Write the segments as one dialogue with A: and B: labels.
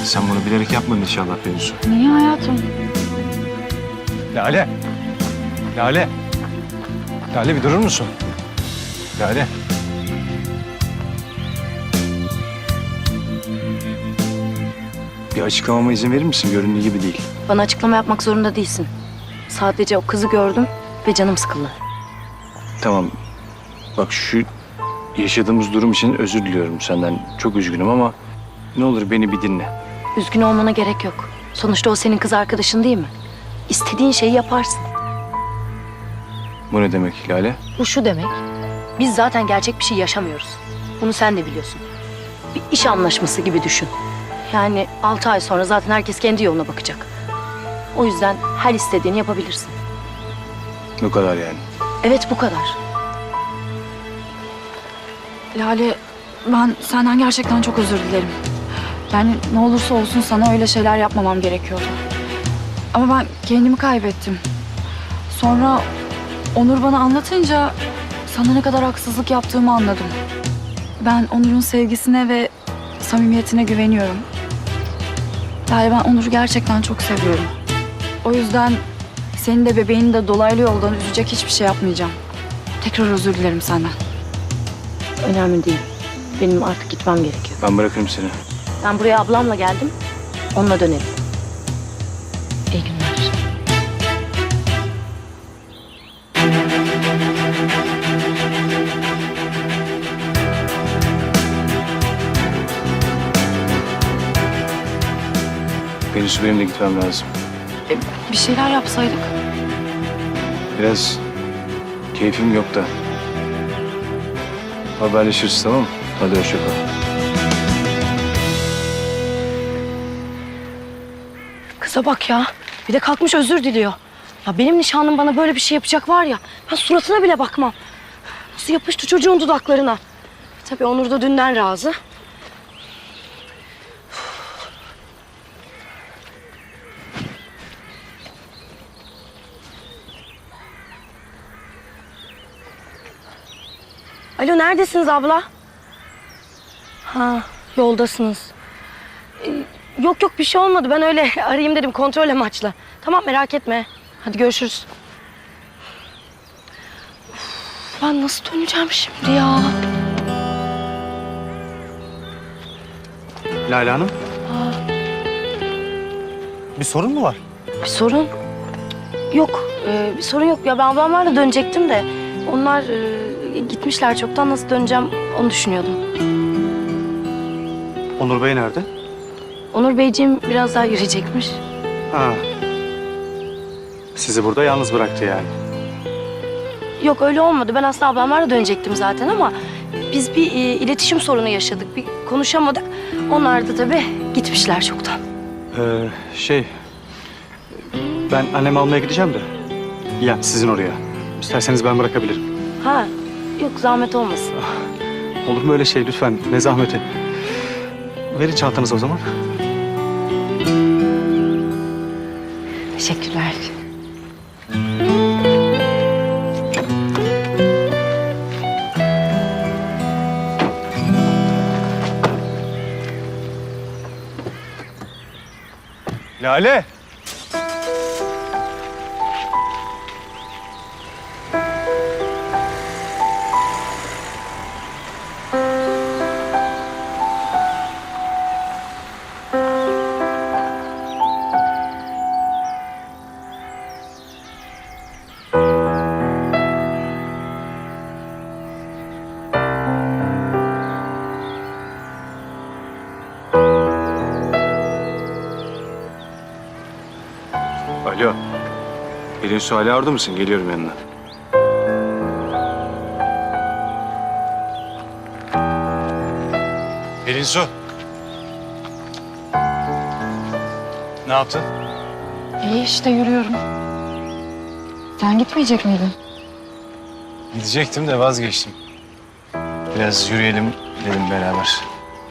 A: Sen bunu bilerek yapmadın inşallah Pelinsu.
B: Niye hayatım?
A: Lale. Lale. Lale bir durur musun? Lale. Bir açıklamama izin verir misin? Göründüğü gibi değil.
C: Bana açıklama yapmak zorunda değilsin. Sadece o kızı gördüm ve canım sıkıldı.
A: Tamam. Bak şu yaşadığımız durum için özür diliyorum senden. Çok üzgünüm ama ne olur beni bir dinle.
C: Üzgün olmana gerek yok. Sonuçta o senin kız arkadaşın değil mi? İstediğin şeyi yaparsın.
A: Bu ne demek Lale?
C: Bu şu demek. Biz zaten gerçek bir şey yaşamıyoruz. Bunu sen de biliyorsun. Bir iş anlaşması gibi düşün. Yani 6 ay sonra zaten herkes kendi yoluna bakacak. O yüzden her istediğini yapabilirsin.
A: Bu kadar yani.
C: Evet, bu kadar.
B: Lale, ben senden gerçekten çok özür dilerim. Yani ne olursa olsun sana öyle şeyler yapmamam gerekiyordu. Ama ben kendimi kaybettim. Sonra Onur bana anlatınca sana ne kadar haksızlık yaptığımı anladım. Ben Onur'un sevgisine ve samimiyetine güveniyorum. Yani ben Onur'u gerçekten çok seviyorum. O yüzden senin de bebeğini de dolaylı yoldan üzecek hiçbir şey yapmayacağım. Tekrar özür dilerim senden.
C: Önemli değil. Benim artık gitmem gerekiyor.
A: Ben bırakırım seni.
C: Ben buraya ablamla geldim. Onunla dönerim. İyi günler.
A: Pelinsu benim de gitmem lazım.
B: Bir şeyler yapsaydık.
A: Biraz keyfim yok da. Haberleşiriz, tamam mı? Hadi hoşça kal.
C: Kıza bak ya. Bir de kalkmış özür diliyor. Ya benim nişanlım bana böyle bir şey yapacak var ya. Ben suratına bile bakmam. Nasıl yapıştı çocuğun dudaklarına. Tabii Onur da dünden razı. Alo, neredesiniz abla? Ha, yoldasınız. Yok yok, bir şey olmadı. Ben öyle arayayım dedim kontrol amaçlı. Tamam, merak etme. Hadi görüşürüz. Uf, ben nasıl döneceğim şimdi ya?
D: Lale Hanım. Bir sorun mu var?
C: Bir sorun? Yok, bir sorun yok. Ya ben ablamlarla dönecektim de onlar gitmişler çoktan. Nasıl döneceğim onu düşünüyordum.
D: Onur Bey nerede?
C: Onur Beyciğim biraz daha yürüyecekmiş.
D: Ha. Sizi burada yalnız bıraktı yani.
C: Yok, öyle olmadı. Ben aslında ablamlarla dönecektim zaten ama biz bir iletişim sorunu yaşadık. Bir konuşamadık. Onlar da tabii gitmişler çoktan.
D: Ben annemi almaya gideceğim de. Yani sizin oraya. İsterseniz ben bırakabilirim.
C: Ha, yok zahmet olmasın.
D: Olur mu öyle şey lütfen? Ne zahmeti. Verin çantanızı o zaman.
C: Teşekkürler.
A: Lale! Alo. Pelinsu hala orada mısın? Geliyorum yanına. Pelinsu. Ne yaptın?
B: İyi işte yürüyorum. Sen gitmeyecek miydin?
A: Gidecektim de vazgeçtim. Biraz yürüyelim dedim beraber.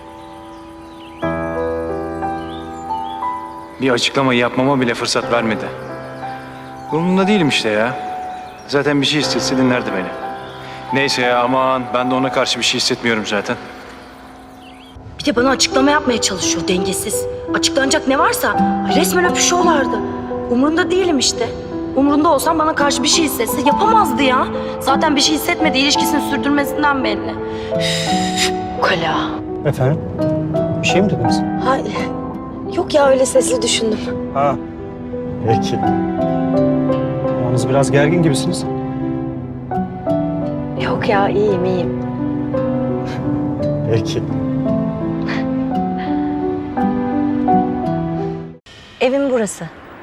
A: Bir açıklama yapmama bile fırsat vermedi. Umurumda değilim işte ya. Zaten bir şey istese dinlerdi beni. Neyse ya, aman ben de ona karşı bir şey hissetmiyorum zaten.
C: Bir de bana açıklama yapmaya çalışıyor dengesiz. Açıklanacak ne varsa resmen öpüşüyorlardı. Umurunda değilim işte. Umurunda olsam bana karşı bir şey hissetse yapamazdı ya. Zaten bir şey hissetmedi, ilişkisini sürdürmesinden belli. Ukala.
D: Efendim? Bir şey mi dediniz?
C: Hayır. Yok ya, öyle sesli düşündüm.
D: Ha. Peki. Yalnız biraz gergin gibisiniz.
C: Yok ya, iyiyim.
D: Peki.
C: Evim burası.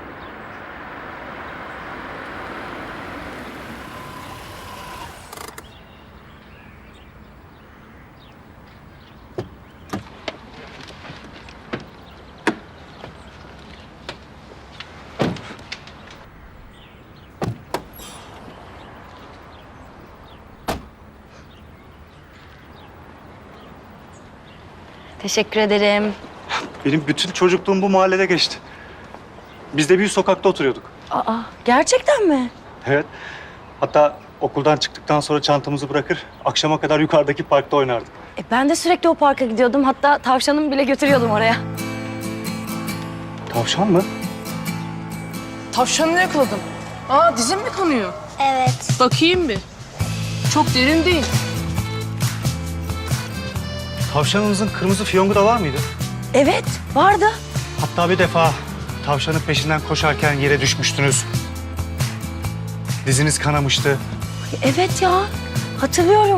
C: Teşekkür ederim.
D: Benim bütün çocukluğum bu mahallede geçti. Biz de bir sokakta oturuyorduk.
C: Aa, gerçekten mi?
D: Evet. Hatta okuldan çıktıktan sonra çantamızı bırakır, akşama kadar yukarıdaki parkta oynardık.
C: Ben de sürekli o parka gidiyordum. Hatta tavşanımı bile götürüyordum oraya.
D: Tavşan mı?
E: Tavşanını yakaladım. Aa, dizin mi kanıyor?
F: Evet.
E: Bakayım bir. Çok derin değil.
D: Tavşanınızın kırmızı fiyongu da var mıydı?
C: Evet, vardı.
D: Hatta bir defa tavşanın peşinden koşarken yere düşmüştünüz. Diziniz kanamıştı.
C: Evet ya, hatırlıyorum.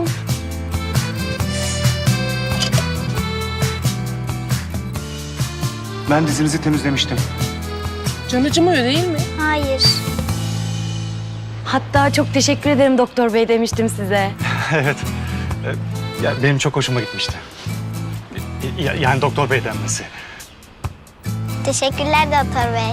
D: Ben dizinizi temizlemiştim.
E: Can acımıyor değil mi?
F: Hayır.
C: Hatta çok teşekkür ederim doktor bey demiştim size.
D: Evet. Ya benim çok hoşuma gitmişti. Yani doktor bey denmesi.
F: Teşekkürler Doktor Bey.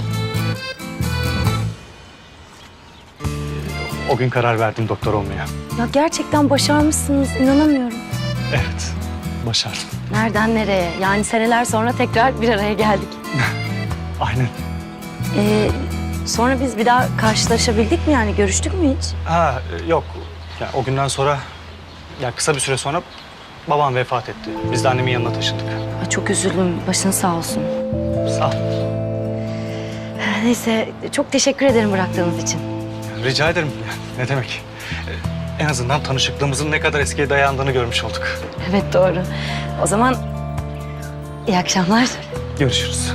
D: O gün karar verdim doktor olmaya.
C: Ya gerçekten başarmışsınız, inanamıyorum.
D: Evet, başardım.
C: Nereden nereye? Yani seneler sonra tekrar bir araya geldik.
D: Aynen.
C: Sonra biz bir daha karşılaşabildik mi yani? Görüştük mü hiç?
D: Ha yok. Ya, o günden sonra, ya kısa bir süre sonra babam vefat etti. Biz de annemin yanına taşındık.
C: Ay, çok üzüldüm. Başın sağ olsun.
D: Sağ ol.
C: Neyse, çok teşekkür ederim bıraktığınız için.
D: Rica ederim. Ne demek? En azından tanışıklığımızın ne kadar eskiye dayandığını görmüş olduk.
C: Evet, doğru. O zaman iyi akşamlar.
D: Görüşürüz.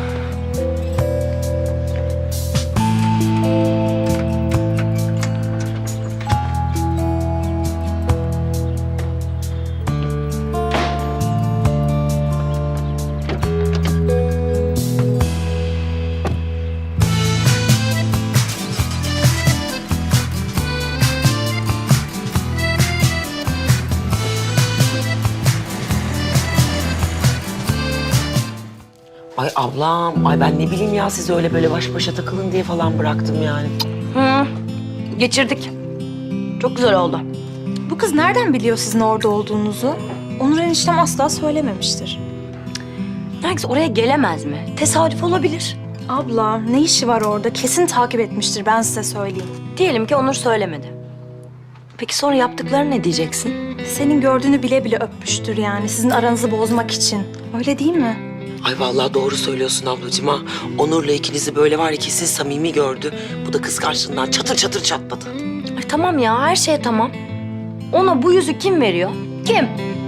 G: Ay ablam, ay ben ne bileyim ya siz öyle böyle baş başa takılın diye falan bıraktım yani.
C: Geçirdik. Çok güzel oldu.
H: Bu kız nereden biliyor sizin orada olduğunuzu? Onur eniştem asla söylememiştir.
C: Herkes oraya gelemez mi? Tesadüf olabilir.
H: Abla ne işi var orada? Kesin takip etmiştir, ben size söyleyeyim.
C: Diyelim ki Onur söylemedi. Peki sonra yaptıklarını ne diyeceksin?
H: Senin gördüğünü bile bile öpmüştür yani, sizin aranızı bozmak için. Öyle değil mi?
G: Ay vallahi doğru söylüyorsun ablacığım ha. Onur'la ikinizi böyle var ya kesin samimi gördü. Bu da kıskançlığından çatır çatır çatladı.
C: Ay tamam ya, her şey tamam. Ona bu yüzü kim veriyor? Kim?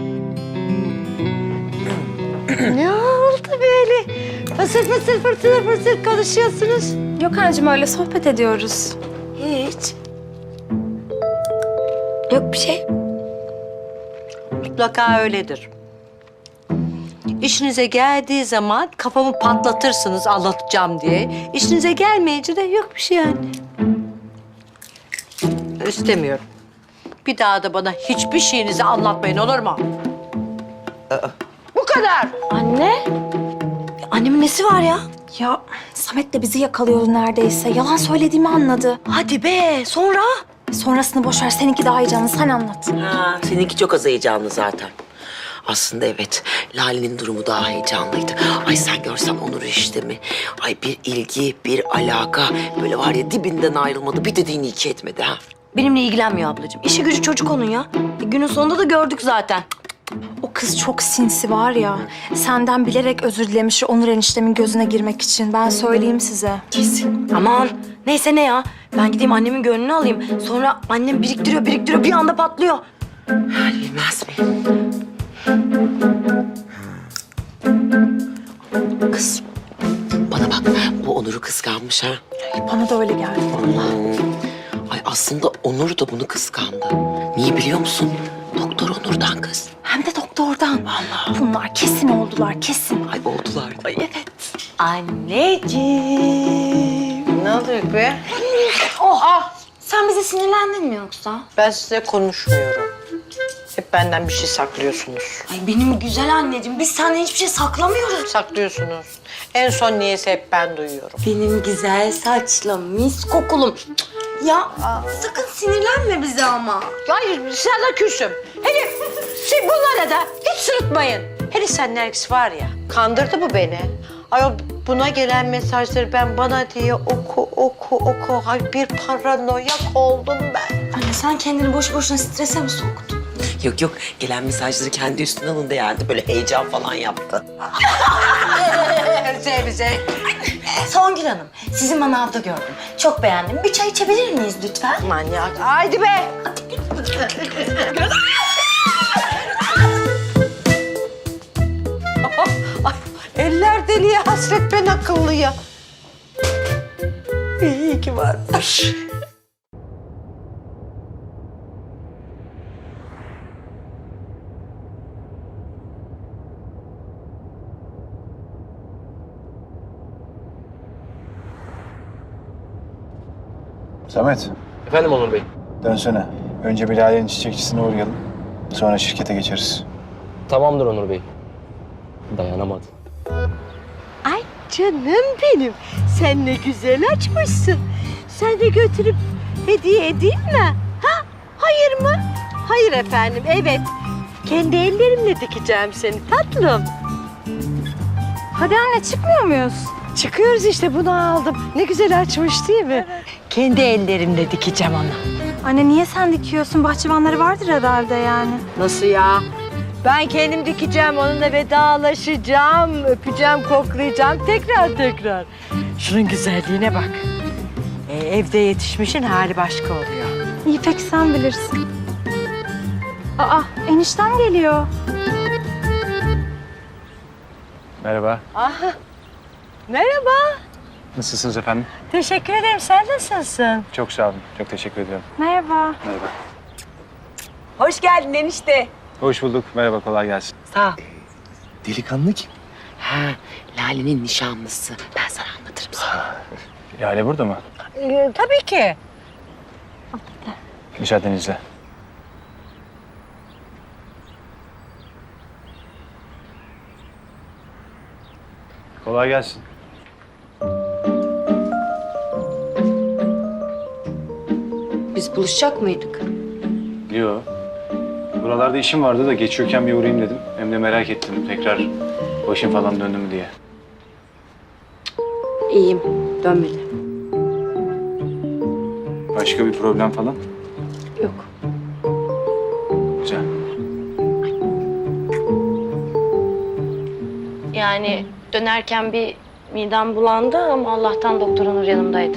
I: Ne oldu böyle? Fısır fısır fısır fısır konuşuyorsunuz.
H: Yok anneciğim, öyle sohbet ediyoruz.
C: Hiç. Yok bir şey.
I: Mutlaka öyledir. İşinize geldiği zaman kafamı patlatırsınız anlatacağım diye. İşinize gelmeyince de yok bir şey yani. İstemiyorum. Bir daha da bana hiçbir şeyinizi anlatmayın, olur mu? Bu kadar.
C: Anne? Annemin nesi var ya?
H: Ya Samet de bizi yakalıyordu neredeyse. Yalan söylediğimi anladı.
C: Hadi be, sonra?
H: Sonrasını boş ver, seninki daha iyi canım, sen anlat.
G: Ha, seninki çok az heyecanlı zaten. Aslında evet, Lale'nin durumu daha heyecanlıydı. Ay sen görsen Onur işte mi? Ay bir ilgi, bir alaka. Böyle var ya dibinden ayrılmadı, bir dediğini iki etmedi ha.
C: Benimle ilgilenmiyor ablacığım. İşi gücü çocuk onun ya. Günün sonunda da gördük zaten.
H: O kız çok sinsi var ya. Senden bilerek özür dilemiş Onur eniştemin gözüne girmek için. Ben söyleyeyim size.
C: Aman neyse ne ya. Ben gideyim annemin gönlünü alayım. Sonra annem biriktiriyor bir anda patlıyor.
G: Bilmez miyim? Kız, bana bak. Bu Onur'u kıskanmış ha.
H: Bana da öyle geldi.
G: Ay aslında Onur da bunu kıskandı. Niye biliyor musun? Doktor Onur'dan kız.
H: Hem de doktordan.
G: Vallahi.
H: Bunlar kesin oldular, kesin.
G: Ay oldular. Ay evet.
I: Anneciğim. Ne oluyor be?
H: Sen bize sinirlendin mi yoksa?
I: Ben size konuşmuyorum. Hep benden bir şey saklıyorsunuz.
C: Ay benim güzel anneciğim biz senden hiçbir şey saklamıyoruz.
I: Saklıyorsunuz. En son niyeyse hep ben duyuyorum.
C: Benim güzel saçlı mis kokulum. Ya sakın sinirlenme bize ama.
I: Hayır, sana küsüm. Hele bunlara da hiç sırıtmayın. Hele sen Nergis var ya, kandırdı bu beni. Ayol buna gelen mesajları ben bana diye oku. Ay bir paranoyak oldum ben.
H: Anne sen kendini boş boşuna strese mi soktun?
G: Yok gelen mesajları kendi üstüne alındı yani. Böyle heyecan falan yaptı.
I: Bize.
C: Songül Hanım sizi manavda gördüm. Çok beğendim. Bir çay içebilir miyiz lütfen?
I: Manyak. Haydi be. Ay, eller deliye hasret ben akıllıya. İyi ki varmış.
A: Samet,
F: Efendim Onur Bey.
A: dönsene. Önce bir Lale'nin çiçekçisine uğrayalım. Sonra şirkete geçeriz.
F: Tamamdır Onur Bey. Dayanamadım.
I: Ay canım benim. Sen ne güzel açmışsın. Sen de götürüp hediye edeyim mi? Ha? Hayır mı? Hayır efendim, evet. Kendi ellerimle dikeceğim seni tatlım.
H: Hadi anne çıkmıyor muyuz?
I: Çıkıyoruz işte, bunu aldım. Ne güzel açmış değil mi? Kendi ellerimle dikeceğim onu.
H: Anne niye sen dikiyorsun? Bahçıvanları vardır herhalde yani.
I: Nasıl ya? Ben kendim dikeceğim, onunla vedalaşacağım, öpeceğim, koklayacağım tekrar. Şunun güzelliğine bak. Evde yetişmişin hali başka oluyor.
H: İyi peki sen bilirsin. Aa eniştem geliyor.
A: Merhaba.
I: Aha. Merhaba.
A: Nasılsınız efendim?
I: Teşekkür ederim. Sen nasılsın?
A: Çok sağ olun. Çok teşekkür ediyorum.
H: Merhaba.
A: Merhaba.
I: Hoş geldin enişte.
A: Hoş bulduk. Merhaba, kolay gelsin.
G: Sağ ol.
A: Delikanlı kim?
G: Ha, Lale'nin nişanlısı. Ben sana anlatırım sonra.
A: Lale burada mı?
I: Tabii ki.
A: Müsaadenizle. Kolay gelsin.
C: Biz buluşacak mıydık?
A: Yo. Buralarda işim vardı da geçiyorken bir uğrayayım dedim. Hem de merak ettim tekrar başım falan döndü mü diye.
C: İyiyim. Dönmedi.
A: Başka bir problem falan?
C: Yok.
A: Güzel.
C: Yani dönerken bir midem bulandı ama Allah'tan doktor Onur yanımdaydı.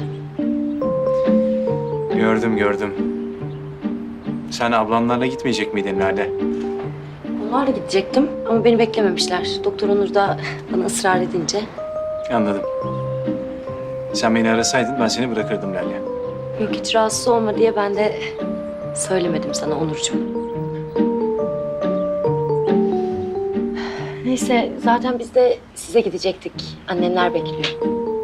A: Gördüm. Sen ablamlarla gitmeyecek miydin Lale?
C: Onlarla gidecektim ama beni beklememişler. Doktor Onur da bana ısrar edince.
A: Anladım. Sen beni arasaydın ben seni bırakırdım Lale.
C: Yok hiç rahatsız olma diye ben de söylemedim sana Onurcuğum. Neyse zaten biz de size gidecektik. Annenler bekliyor.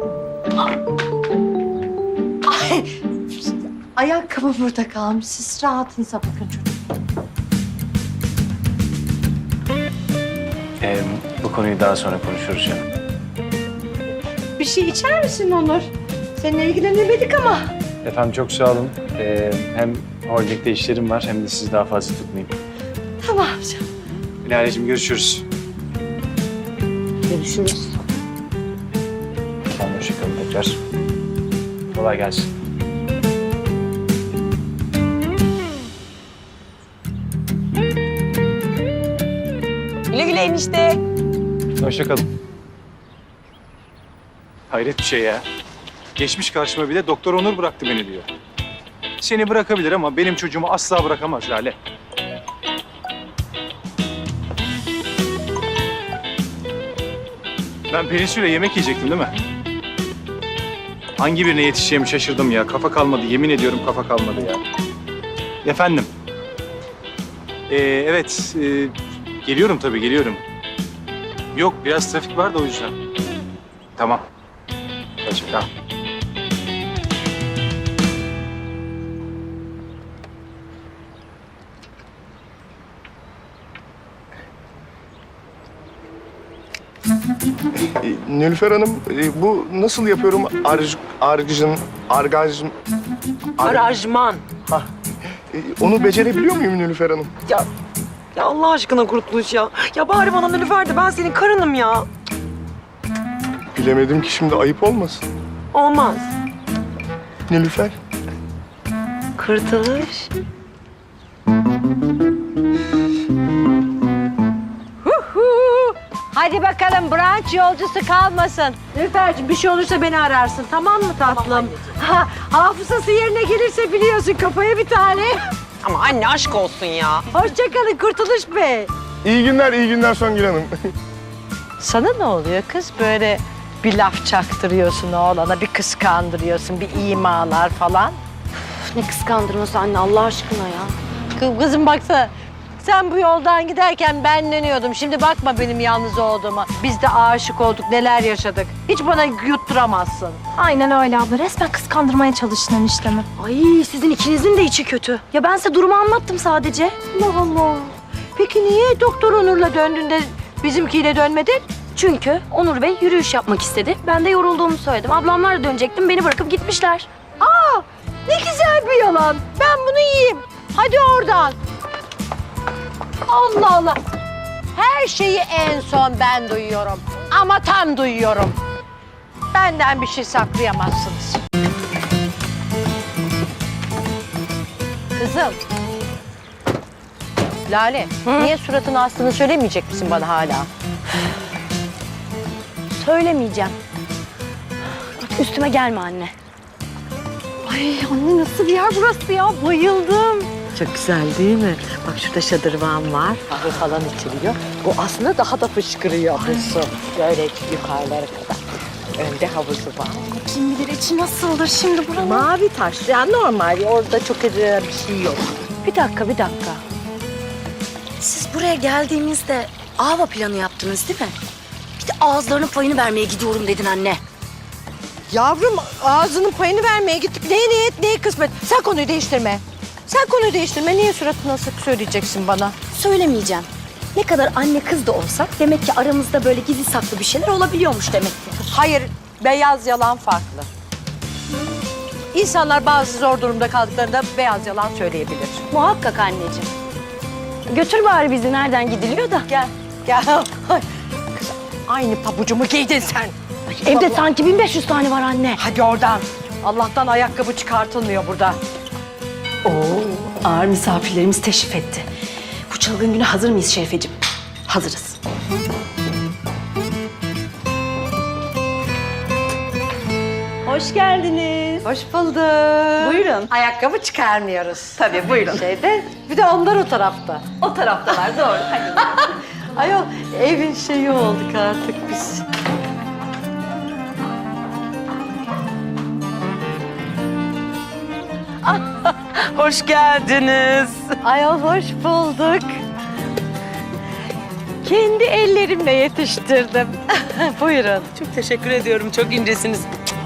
I: Ayakkabı burada kalmış. Siz rahatınıza bakın çocuk.
A: Bu konuyu daha sonra konuşuruz canım.
I: Bir şey içer misin Onur? Seninle ilgilenemedik ama.
A: Efendim çok sağ olun. Hem holdingde işlerim var hem de sizi daha fazla tutmayayım.
I: Tamam canım.
A: Lale'cim görüşürüz.
C: Görüşürüz.
A: Tamam, hoşçakalın tekrar. Kolay gelsin.
I: Güle güle enişte.
A: Hoşça kalın. Hayret bir şey ya. Geçmiş karşıma bir de Doktor Onur bıraktı beni diyor. Seni bırakabilir ama benim çocuğumu asla bırakamaz Lale. Ben Pelinsu'yla yemek yiyecektim değil mi? Hangi birine yetişeceğimi şaşırdım ya. Kafa kalmadı. Yemin ediyorum kafa kalmadı ya. Efendim? Evet. Geliyorum tabii geliyorum. Yok biraz trafik var da o yüzden. Tamam. Hoşça kal.
J: Nilüfer Hanım, bu nasıl yapıyorum?
G: Arajman.
J: Onu becerebiliyor muyum Nilüfer Hanım?
G: Ya Allah aşkına Kurtuluş ya. Ya bari bana Nilüfer de ben senin karınım ya.
J: Bilemedim ki şimdi ayıp olmasın.
G: Olmaz.
J: Nilüfer.
G: Kurtuluş.
I: Hadi bakalım brunch yolcusu kalmasın. Nilüfer'cim bir şey olursa beni ararsın tamam mı tatlım? Ha, hafızası yerine gelirse biliyorsun kafaya bir tane.
G: Ama anne aşk olsun ya.
I: Hoşçakalın Kurtuluş Bey.
J: İyi günler Songül Hanım.
I: Sana ne oluyor kız böyle bir laf çaktırıyorsun oğlana, bir kıskandırıyorsun, bir imalar falan.
C: Ne kıskandırması anne Allah aşkına ya.
I: Kızım baksana. Sen bu yoldan giderken ben dönüyordum. Şimdi bakma benim yalnız olduğuma. Biz de aşık olduk, neler yaşadık. Hiç bana yutturamazsın.
H: Aynen öyle abla. Resmen kıskandırmaya çalıştın eniştemi.
C: Ay sizin ikinizin de içi kötü. Ya ben size durumu anlattım sadece.
I: Allah Allah. Peki niye Doktor Onur'la döndüğünde bizimkiyle dönmedin?
C: Çünkü Onur Bey yürüyüş yapmak istedi. Ben de yorulduğumu söyledim. Ablamlarla dönecektim. Beni bırakıp gitmişler.
I: Aa, ne güzel bir yalan. Ben bunu yiyeyim. Hadi oradan. Allah Allah. Her şeyi en son ben duyuyorum. Ama tam duyuyorum. Benden bir şey saklayamazsınız. Kızım. Lale, niye suratını astığını söylemeyecek misin bana hala?
C: Söylemeyeceğim. Üstüme gelme anne.
I: Ay anne nasıl bir yer burası ya? Bayıldım. Çok güzel değil mi? Bak şurada şadırvan var. Kahve falan içiliyor. Bu aslında daha da fışkırıyor bu su. Böyle yukarılara kadar. Önde havuzu var.
H: Kim bilir içi nasıl olur şimdi buranın.
I: Mavi taş. Yani normal. Orada çok bir şey yok. Bir dakika.
C: Siz buraya geldiğimizde Ava planı yaptınız değil mi? Bir de ağızlarının payını vermeye gidiyorum dedin anne.
I: Yavrum ağzının payını vermeye gittik. Neye niyet, neye kısmet. Sen konuyu değiştirme. Niye suratını asıp söyleyeceksin bana?
C: Söylemeyeceğim. Ne kadar anne kız da olsak demek ki aramızda böyle gizli saklı bir şeyler olabiliyormuş demek ki.
I: Hayır, beyaz yalan farklı. İnsanlar bazı zor durumda kaldıklarında beyaz yalan söyleyebilir.
C: Muhakkak anneciğim. Götür bari bizi nereden gidiliyor da.
I: Gel. Ay, kız aynı pabucumu giydin sen.
C: Evde sanki 1500 tane var anne.
I: Hadi oradan. Allah'tan ayakkabı çıkartılmıyor burada.
C: Ağır misafirlerimiz teşrif etti. Bu çılgın güne hazır mıyız Şerifeciğim? Hazırız.
I: Hoş geldiniz. Hoş bulduk.
C: Buyurun.
I: Ayakkabı çıkarmıyoruz.
C: Tabii buyurun.
I: Bir de onlar o tarafta.
C: O taraftalar doğru. Hadi.
I: Ayol evin şeyi olduk artık biz.
G: Hoş geldiniz.
I: Ayol hoş bulduk. Kendi ellerimle yetiştirdim. Buyurun.
G: Çok teşekkür ediyorum. Çok incesiniz.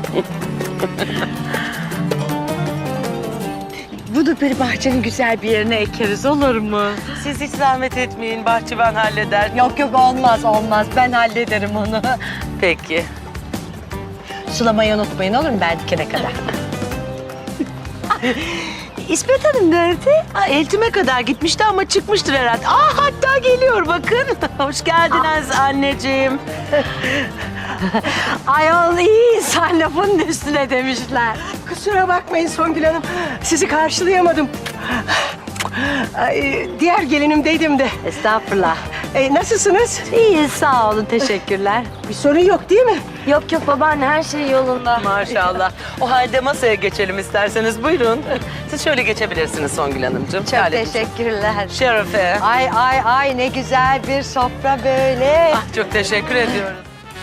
I: Bunu böyle bahçenin güzel bir yerine ekeriz olur mu?
G: Siz hiç zahmet etmeyin. Bahçıvan halleder.
I: Yok olmaz. Ben hallederim onu.
G: Peki.
I: Sulamayı unutmayın olur mu ben dikene kadar? İsmet Hanım nerede?
G: Eltime kadar gitmişti ama çıkmıştır herhalde. Hatta geliyor bakın. Hoş geldiniz anneciğim.
I: Ayol iyi insan lafının üstüne demişler.
E: Kusura bakmayın Songül Hanım. Sizi karşılayamadım. Diğer gelinimdeydim de.
I: Estağfurullah.
E: Nasılsınız?
C: İyi sağ olun teşekkürler.
E: Bir sorun yok değil mi?
C: Yok yok babaanne her şey yolunda.
K: Maşallah. O halde masaya geçelim isterseniz. Buyurun. Siz şöyle geçebilirsiniz Songül Hanımcığım.
I: Çok
K: Lale'cim.
I: teşekkürler.
K: Şerefe.
I: Ay ne güzel bir sofra böyle.
K: Ah, çok teşekkür ediyoruz.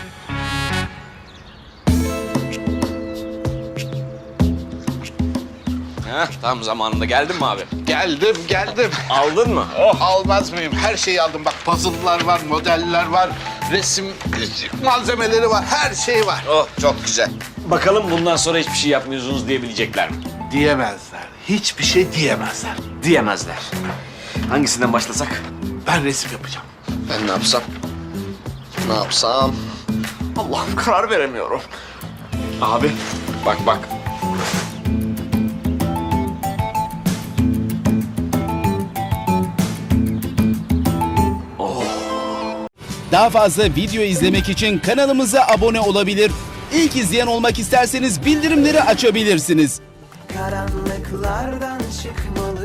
L: Heh, tam zamanında geldin mi abi?
M: Geldim.
L: Aldın mı?
M: Almaz mıyım? Her şeyi aldım. Bak puzzle'lar var, modeller var, resim malzemeleri var, her şey var.
L: Oh, çok güzel. Bakalım bundan sonra hiçbir şey yapmıyorsunuz diyebilecekler mi?
M: Diyemezler. Hiçbir şey diyemezler.
L: Diyemezler. Hangisinden başlasak?
M: Ben resim yapacağım.
L: Ben ne yapsam? Ne yapsam? Allah'ım karar veremiyorum. Abi bak.
N: Daha fazla video izlemek için kanalımıza abone olabilir. İlk izleyen olmak isterseniz bildirimleri açabilirsiniz.
E: Karanlıklardan çıkmalı.